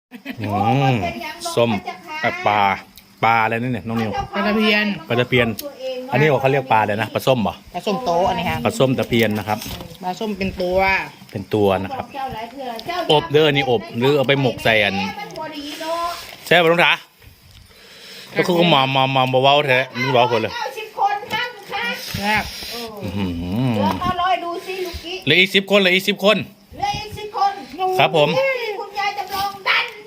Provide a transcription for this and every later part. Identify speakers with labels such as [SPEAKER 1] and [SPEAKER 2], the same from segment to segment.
[SPEAKER 1] ส้มปลาอะไรนั่นเนี่ยน้องนิว
[SPEAKER 2] ปลาตะเพียน
[SPEAKER 1] ปลาตะเพียนอันนี้เขาเรียกปลาเลยนะปลาส้มเหรอ
[SPEAKER 2] ปลาส้มโตอันนี้ค่ะ
[SPEAKER 1] ปลาส้มตะเพียนนะครับ
[SPEAKER 2] ปลาส้มเป็นตัว
[SPEAKER 1] เป็นตัวนะครับอบเด้อนี่อบหรือเอาไปหมกใส่อันใช่ป่ะลุงถาก็คือมาเว้าแท้ไม่เว้าคนเลย
[SPEAKER 2] แซ่บ
[SPEAKER 3] ดูสิลูกกี้
[SPEAKER 1] เหลืออีก10 คนเหลืออีก10 คน
[SPEAKER 3] เหลืออีก10 คน
[SPEAKER 1] ครับผม
[SPEAKER 3] คุณยายจำลองดัน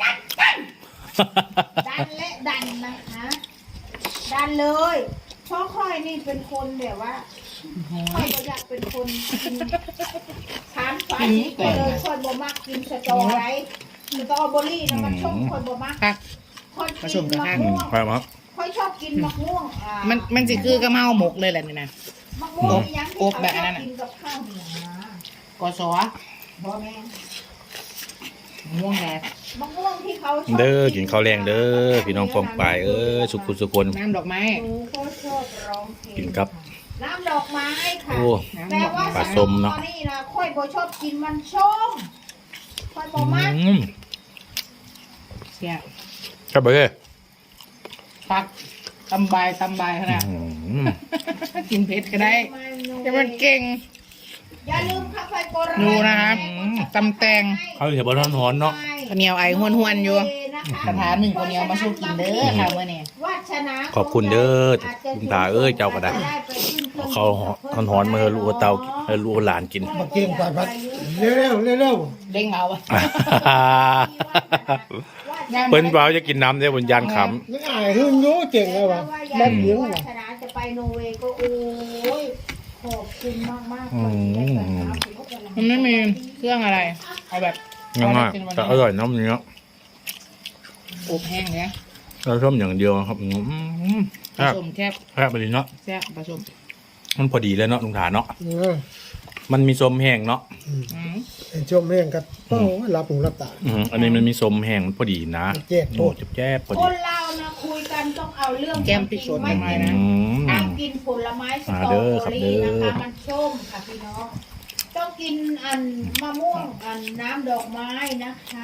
[SPEAKER 3] และดันนะคะดันเลยเพราะค่อยนี่เป็นคนแบบว่าค่อยก็อยากเป็นคนกินทานฝาชีไปเลยค่อยบ่มักกินสตอไรสตอเบอรี่นะมันชมค่อยบ่มัก
[SPEAKER 2] ค่ะ
[SPEAKER 3] ค่อยกินมะม่วง
[SPEAKER 1] ไปมาครับ
[SPEAKER 3] ค่อยชอบกินมะม่วง
[SPEAKER 2] มันสิคือกระเมาหมกเลยแหละนี่นะ
[SPEAKER 3] มะม่วงยังที่
[SPEAKER 2] อบ
[SPEAKER 3] เขา
[SPEAKER 2] แบบ
[SPEAKER 3] ช
[SPEAKER 2] นั้
[SPEAKER 3] อบ
[SPEAKER 2] นน่ะ
[SPEAKER 3] กินกับข้าวเหนียวนะ
[SPEAKER 2] กอสอ
[SPEAKER 3] บ่แม่น
[SPEAKER 2] ม่วงแดด
[SPEAKER 3] มะม่วงที่เขาชอบ
[SPEAKER 1] เด้อกินข้าวแรงเด้อพี่น้องฟองปลายสุขุสุคน
[SPEAKER 2] น้ำดอกไม้
[SPEAKER 3] หนูก็ชอบร้องเพลง
[SPEAKER 1] กินครับ
[SPEAKER 3] น้ำดอกไม้ค่ะ
[SPEAKER 1] โอ้
[SPEAKER 3] แต่ว่า
[SPEAKER 1] ปลาส้มเนอะ
[SPEAKER 3] ตอนนี้นะค่อยบ่ชอบกินมันส้มค่อยบ่มัก
[SPEAKER 2] เสีย
[SPEAKER 1] ครับเบ้อ
[SPEAKER 2] ปักตำใบขนาดกินเผ็ดก็ได้จะมันเก่ง
[SPEAKER 3] อย่าลืมค่ะไฟโบราณ
[SPEAKER 2] ดูนะครับตำแตง
[SPEAKER 1] เขาเห็นบอลร้อนๆเนาะ
[SPEAKER 2] ข้าวเหนียวไอห้วนๆอยู่
[SPEAKER 3] นะคะ
[SPEAKER 2] กระถาหนึ่งข้าวเหนียวมาสู้กินเด้อค่ะเมื่อนี้
[SPEAKER 3] วาสนา
[SPEAKER 1] ขอบคุณเด้อคุณตาเจ้าก็ได้เขาร้อนๆมาให้ลูกเตาให้ลูกหลานกิน
[SPEAKER 4] มาเก่งกว่าพัดเร็วเร็ว
[SPEAKER 2] เด้งเอาอะ
[SPEAKER 1] เปิ้นเปล่าจะกินน้ำได้บนยานข
[SPEAKER 4] นี่อายหึ่งยูเก่งเลยวะแม่เลี้ยง
[SPEAKER 3] วา
[SPEAKER 4] ว่ะ
[SPEAKER 3] สนาจะไปโนเวย์ก็โอ้ยขอบคุณมากๆ
[SPEAKER 2] มันไม่มีเครื่องอะไรเอาแบบ
[SPEAKER 1] ำง่ายๆแต่อร่อยน้ำเนื้อ
[SPEAKER 2] อบแห้งเนี่ย
[SPEAKER 1] เราชอบอย่างเดียวครับ
[SPEAKER 2] ผ
[SPEAKER 1] แซ่บ
[SPEAKER 2] สมแคบ
[SPEAKER 1] แซ่บไปดีเนาะ
[SPEAKER 2] แซ่บผสม
[SPEAKER 1] มันพอดีเลยเนาะลุงถาเนาะ
[SPEAKER 4] เออ
[SPEAKER 1] มันมีส้มแห้งเนาะ
[SPEAKER 2] อืม
[SPEAKER 4] ไอ้ชมแม่งกับโอ้รับหูรับตา
[SPEAKER 1] อันนี้มันมีส้มแห้งพอดีนะ
[SPEAKER 4] แจ๊กโท
[SPEAKER 1] โอ้
[SPEAKER 4] ษ
[SPEAKER 1] แจ๊บพอ
[SPEAKER 3] ค
[SPEAKER 1] ดี
[SPEAKER 3] นเรานะคุยกันต้องเอาเรื่อง
[SPEAKER 2] แก้มพริกสด
[SPEAKER 3] ไม่
[SPEAKER 2] ทำไม
[SPEAKER 3] กิน
[SPEAKER 2] นะ
[SPEAKER 3] การกินผลไม้สตรอ
[SPEAKER 1] เด้อ
[SPEAKER 3] เบ
[SPEAKER 1] ค
[SPEAKER 3] อ
[SPEAKER 1] รับ
[SPEAKER 3] รี่
[SPEAKER 1] เด้
[SPEAKER 3] นะ
[SPEAKER 1] อ
[SPEAKER 3] คะมันส้มค่ะพี่น้องต้องกินอันมะม่วงอันน้ำดอกไม้นะคะ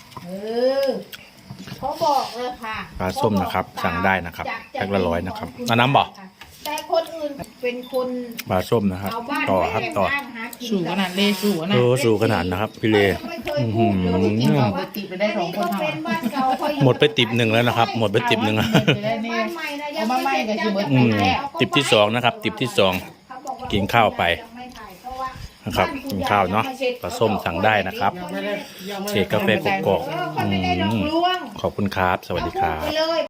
[SPEAKER 3] เขาบอกเลยค่ะ
[SPEAKER 1] ปลาส้มนะครับสั่งได้นะครับ
[SPEAKER 3] จาก
[SPEAKER 1] แพ็คละ100นะครับ
[SPEAKER 3] ของคุณ
[SPEAKER 1] เอาน้ำบ่
[SPEAKER 3] แต่คนอื่นเป็นคน
[SPEAKER 1] ปลาส้มนะครับ
[SPEAKER 3] เอาบ้าน
[SPEAKER 1] ต่อ
[SPEAKER 3] ไว้
[SPEAKER 1] ครับ
[SPEAKER 3] แต่ง
[SPEAKER 1] ต่อ
[SPEAKER 3] บ้านหากิน
[SPEAKER 2] สู่ขนาดเลยสู่ขนาด
[SPEAKER 1] สู่ขนาดนะครับพี่เล
[SPEAKER 3] ไม่เคยพูดเลย
[SPEAKER 2] กินของไปติดไปได้2 คน
[SPEAKER 3] ก็
[SPEAKER 2] เท่า
[SPEAKER 3] เป็นบ้านเก่าเขาอยู่
[SPEAKER 1] หมดไปติบหนึ่งแล้วนะครับ หมดไปติบหนึ่งแล้ว
[SPEAKER 2] จะได้นี่
[SPEAKER 3] บ้านใหม่นะยัง
[SPEAKER 2] เอามาใหม่ก็คือเบิด
[SPEAKER 1] อืม
[SPEAKER 2] แรก
[SPEAKER 1] ติบที่2นะครับติบที่2
[SPEAKER 3] เขาบอกว่
[SPEAKER 1] กินข้าวไป
[SPEAKER 3] ยังไม่ถ่ายเพราะว่า
[SPEAKER 1] นะครับกินข้าวเนาะปลาส้มสั่งได้นะครับ
[SPEAKER 4] ไม่ได้ยังไม่
[SPEAKER 1] เช
[SPEAKER 4] ได้
[SPEAKER 1] คกาแฟกกอก
[SPEAKER 3] เขาไม่ได้หลอกลวง
[SPEAKER 1] ขอบคุณครับ สวัสดีครับ
[SPEAKER 3] เขาพูดไปเลย